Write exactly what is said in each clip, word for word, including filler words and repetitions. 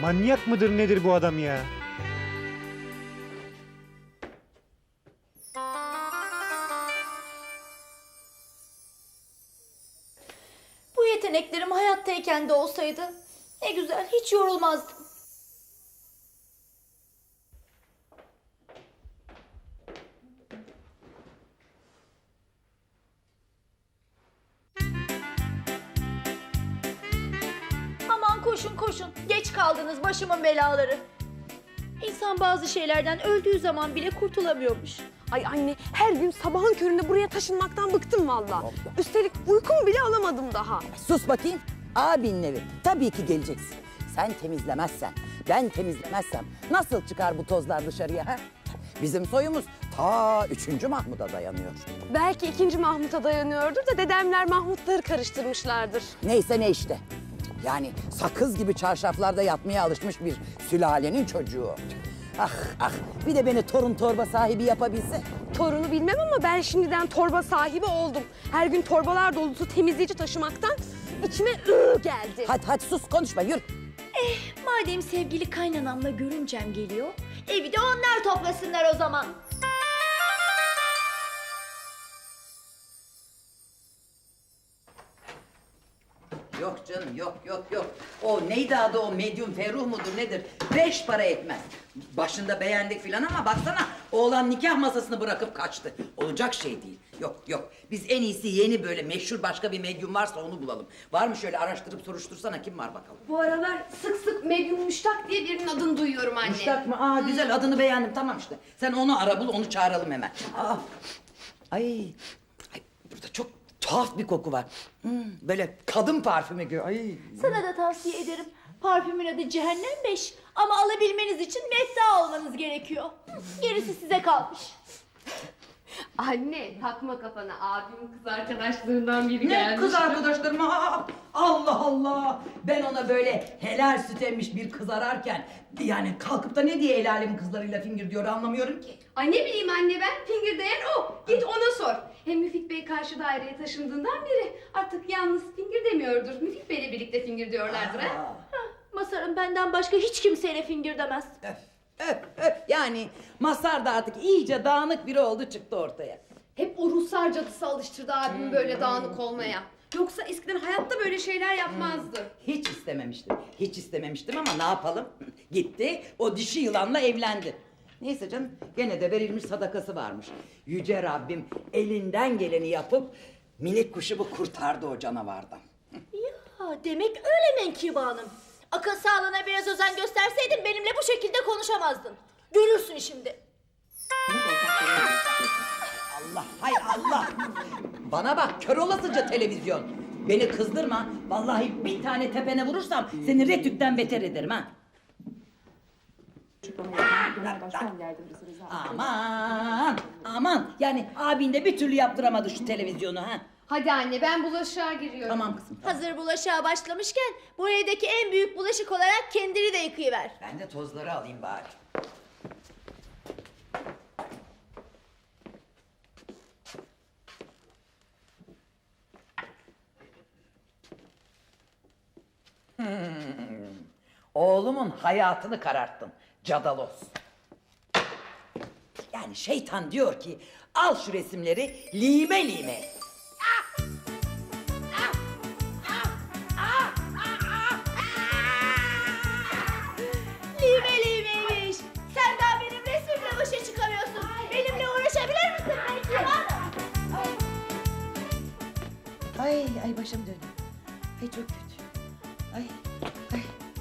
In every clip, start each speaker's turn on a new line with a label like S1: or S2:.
S1: Manyak mıdır nedir bu adam ya?
S2: Bu yeteneklerim hayattayken de olsaydı ne güzel, hiç yorulmazdım. Aman koşun koşun, geç kaldınız başımın belaları. İnsan bazı şeylerden öldüğü zaman bile kurtulamıyormuş.
S3: Ay anne, her gün sabahın köründe buraya taşınmaktan bıktım vallahi. Üstelik uykumu bile alamadım daha.
S4: Sus bakayım. Abinin evi. Tabii ki geleceksin. Sen temizlemezsen, ben temizlemezsem nasıl çıkar bu tozlar dışarıya ha? Bizim soyumuz ta üçüncü Mahmud'a dayanıyor.
S3: Belki ikinci Mahmut'a dayanıyordur da dedemler Mahmutları karıştırmışlardır.
S4: Neyse ne işte. Yani sakız gibi çarşaflarda yatmaya alışmış bir sülalenin çocuğu. Ah ah, bir de beni torun torba sahibi yapabilse.
S3: Torunu bilmem ama ben şimdiden torba sahibi oldum. Her gün torbalar dolusu temizleyici taşımaktan içime ıı geldi.
S4: Hadi hadi sus, konuşma, yürü.
S2: Madem sevgili kaynanamla görümcem geliyor, evi de onlar toplasınlar o zaman.
S4: Yok canım, yok yok yok. O neydi adı, o medyum Ferruh mudur nedir? Beş para etmez. Başında beğendik filan ama baksana, oğlan nikah masasını bırakıp kaçtı. Olacak şey değil. Yok yok, biz en iyisi yeni böyle meşhur başka bir medyum varsa onu bulalım. Var mı, şöyle araştırıp soruştursana, kim var bakalım.
S5: Bu aralar sık sık Medyum Müştak diye birinin adını duyuyorum anne.
S4: Müştak mı? Aa güzel, adını beğendim, tamam işte. Sen onu ara bul, onu çağıralım hemen. Aa, ay, ay burada çok tuhaf bir koku var. Hmm, böyle kadın parfümü gibi. Ay.
S2: Sana da tavsiye ederim. Parfümün adı Cehennem Beş. Ama alabilmeniz için mefta olmanız gerekiyor. Gerisi size kalmış.
S5: Anne takma kafana, abimin kız arkadaşlarından biri
S4: Ne
S5: gelmiş.
S4: kız arkadaşlarım? Aa, Allah Allah! Ben ona böyle helal süt emmiş bir kız ararken... ...yani kalkıp da ne diye el alemin kızlarıyla fingir diyor anlamıyorum ki.
S5: Ay ne bileyim anne, ben fingir değen o. Git ona sor. Hem Müfit Bey karşı daireye taşındığından beri artık yalnız fingir demiyordur. Müfit Bey'le birlikte fingir diyorlardır ha.
S4: Aa,
S2: Masar'ın benden başka hiç kimseyle fingir demez.
S4: öf, öf, öf. Yani Mazhar da artık iyice dağınık biri oldu, çıktı ortaya.
S5: Hep o Ruslar cadısı alıştırdı abimi böyle dağınık olmaya. Yoksa eskiden hayatta böyle şeyler yapmazdı.
S4: Hiç istememiştim, hiç istememiştim ama ne yapalım? Gitti, o dişi yılanla evlendi. Neyse canım, gene de verilmiş sadakası varmış. Yüce Rabbim elinden geleni yapıp... ...minik kuşumu kurtardı o canavardan.
S2: Ya demek öyle Menkibe Hanım. Akıl sağlığına biraz özen gösterseydin benimle bu şekilde konuşamazdın. Görürsün şimdi.
S4: Allah, hay Allah! Bana bak, kör olasıca televizyon. Beni kızdırma, vallahi bir tane tepene vurursam... ...seni Retük'ten beter ederim ha. Aman, aman! Yani abin de bir türlü yaptıramadı şu televizyonu ha.
S5: Hadi anne, ben bulaşığa giriyorum.
S4: Tamam kızım, tamam.
S2: Hazır bulaşığa başlamışken bu evdeki en büyük bulaşık olarak kendini de yıkayıver.
S4: Ben de tozları alayım bari. Hmm. Oğlumun hayatını kararttın Cadalos. Yani şeytan diyor ki al şu resimleri lime lime et.
S2: Lime limeymiş. Sen daha benim resmimle başa çıkamıyorsun. Benimle uğraşabilir misin Menkibe Hanım?
S4: Ay ay başım dönüyor. Ay çok kötü. Ay ay.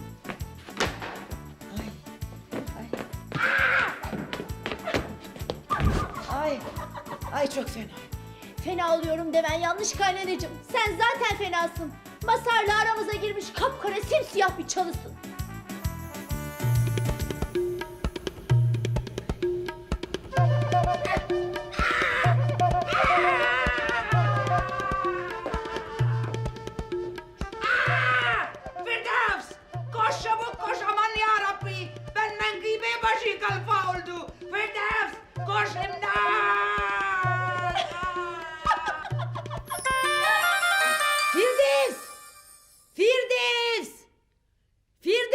S4: Ay. Ay. Ay çok fena.
S2: Fena oluyorum demen yanlış kaynanacığım. Sen zaten fenasın. Masarla aramıza girmiş kapkara simsiyah bir çalısın.
S6: Firdevs! Koş çabuk koş, aman yarabbi! Ben Menkibe başı kalfa oldu! Firdevs! Koş imdat!
S4: Firdevs! Firdevs! Firdevs!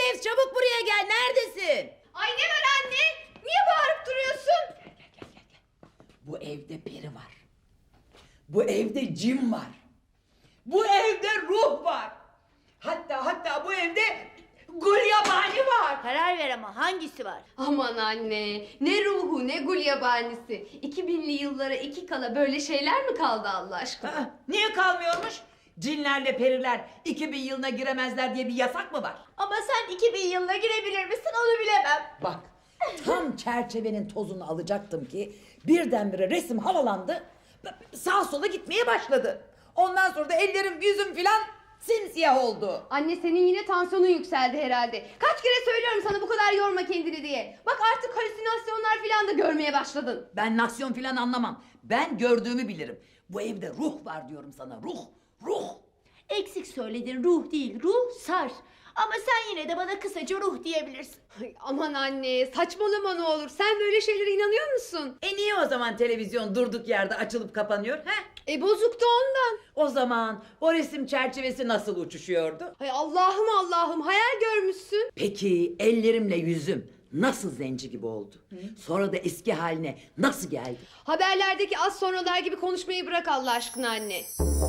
S4: evde cin var. Bu evde ruh var. Hatta hatta bu evde gulyabani var.
S2: Karar ver ama hangisi var?
S5: Aman anne, ne ruhu ne gulyabanisi. iki binli yıllara iki kala böyle şeyler mi kaldı Allah aşkına?
S4: Aa, niye kalmıyormuş? Cinlerle periler iki bin yılına giremezler diye bir yasak mı var?
S2: Ama sen iki bin yılına girebilir misin onu bilemem.
S4: Bak, tam çerçevenin tozunu alacaktım ki birdenbire resim havalandı, sağa sola gitmeye başladı. Ondan sonra da ellerim yüzüm filan simsiyah oldu.
S5: Anne senin yine tansiyonun yükseldi herhalde. Kaç kere söylüyorum sana bu kadar yorma kendini diye. Bak artık halüsinasyonlar filan da görmeye başladın.
S4: Ben nasyon filan anlamam. Ben gördüğümü bilirim. Bu evde ruh var diyorum sana, ruh, ruh.
S2: Eksik söyledin, ruh değil, ruh sar. Ama sen yine de bana kısaca ruh diyebilirsin.
S5: Ay, aman anne saçmalama ne olur. Sen böyle şeylere inanıyor musun?
S4: E niye o zaman televizyon durduk yerde açılıp kapanıyor? He?
S5: E bozuktu ondan.
S4: O zaman o resim çerçevesi nasıl uçuşuyordu?
S5: Ay Allah'ım Allah'ım hayal görmüşsün.
S4: Peki ellerimle yüzüm nasıl zenci gibi oldu? Sonra da eski haline nasıl geldi?
S5: Haberlerdeki az sonralar gibi konuşmayı bırak Allah aşkına anne.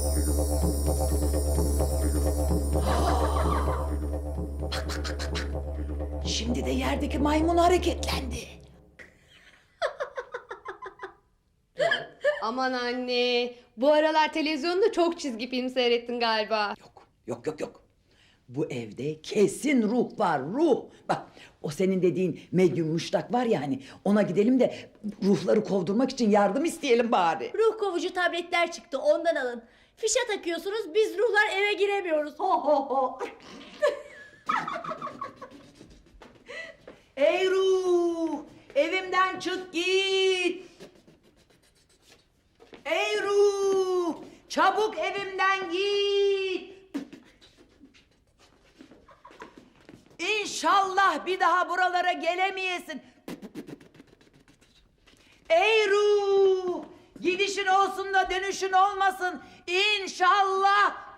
S4: Şimdi de yerdeki maymun hareketlendi.
S5: Aman anne bu aralar televizyonda çok çizgi film seyrettin galiba.
S4: Yok, yok, yok, yok. Bu evde kesin ruh var, ruh. Bak, o senin dediğin medyum müştak var ya hani, ona gidelim de ruhları kovdurmak için yardım isteyelim bari.
S2: Ruh kovucu tabletler çıktı ondan alın. Fişe takıyorsunuz biz ruhlar eve giremiyoruz. Ho ho ho.
S4: Ey ruh, evimden çık git. Ey ruh, çabuk evimden git. İnşallah bir daha buralara gelemeyesin. Ey ruh, gidişin olsun da dönüşün olmasın. İnşallah.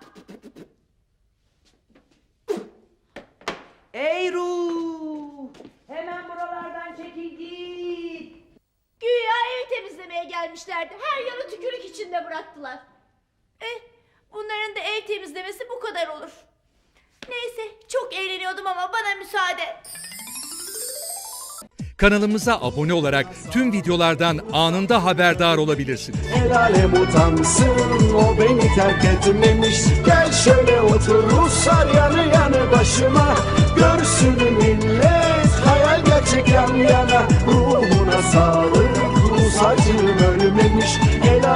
S4: Ey ruh, hemen buralardan çekil git.
S2: Güya evi temizlemeye gelmişlerdi. Her yanı tükürük içinde bıraktılar. Eh, bunların da ev temizlemesi bu kadar olur. Neyse, çok eğleniyordum ama bana müsaade.
S7: Kanalımıza abone olarak tüm videolardan anında haberdar olabilirsiniz.
S8: El alem utansın, o beni terk etmemiş. Gel şöyle otur Ruslar yanı yanı başıma. Görsün millet hayal gerçek yan yana. Ruhuna sağlık, Rus acım ölmemiş.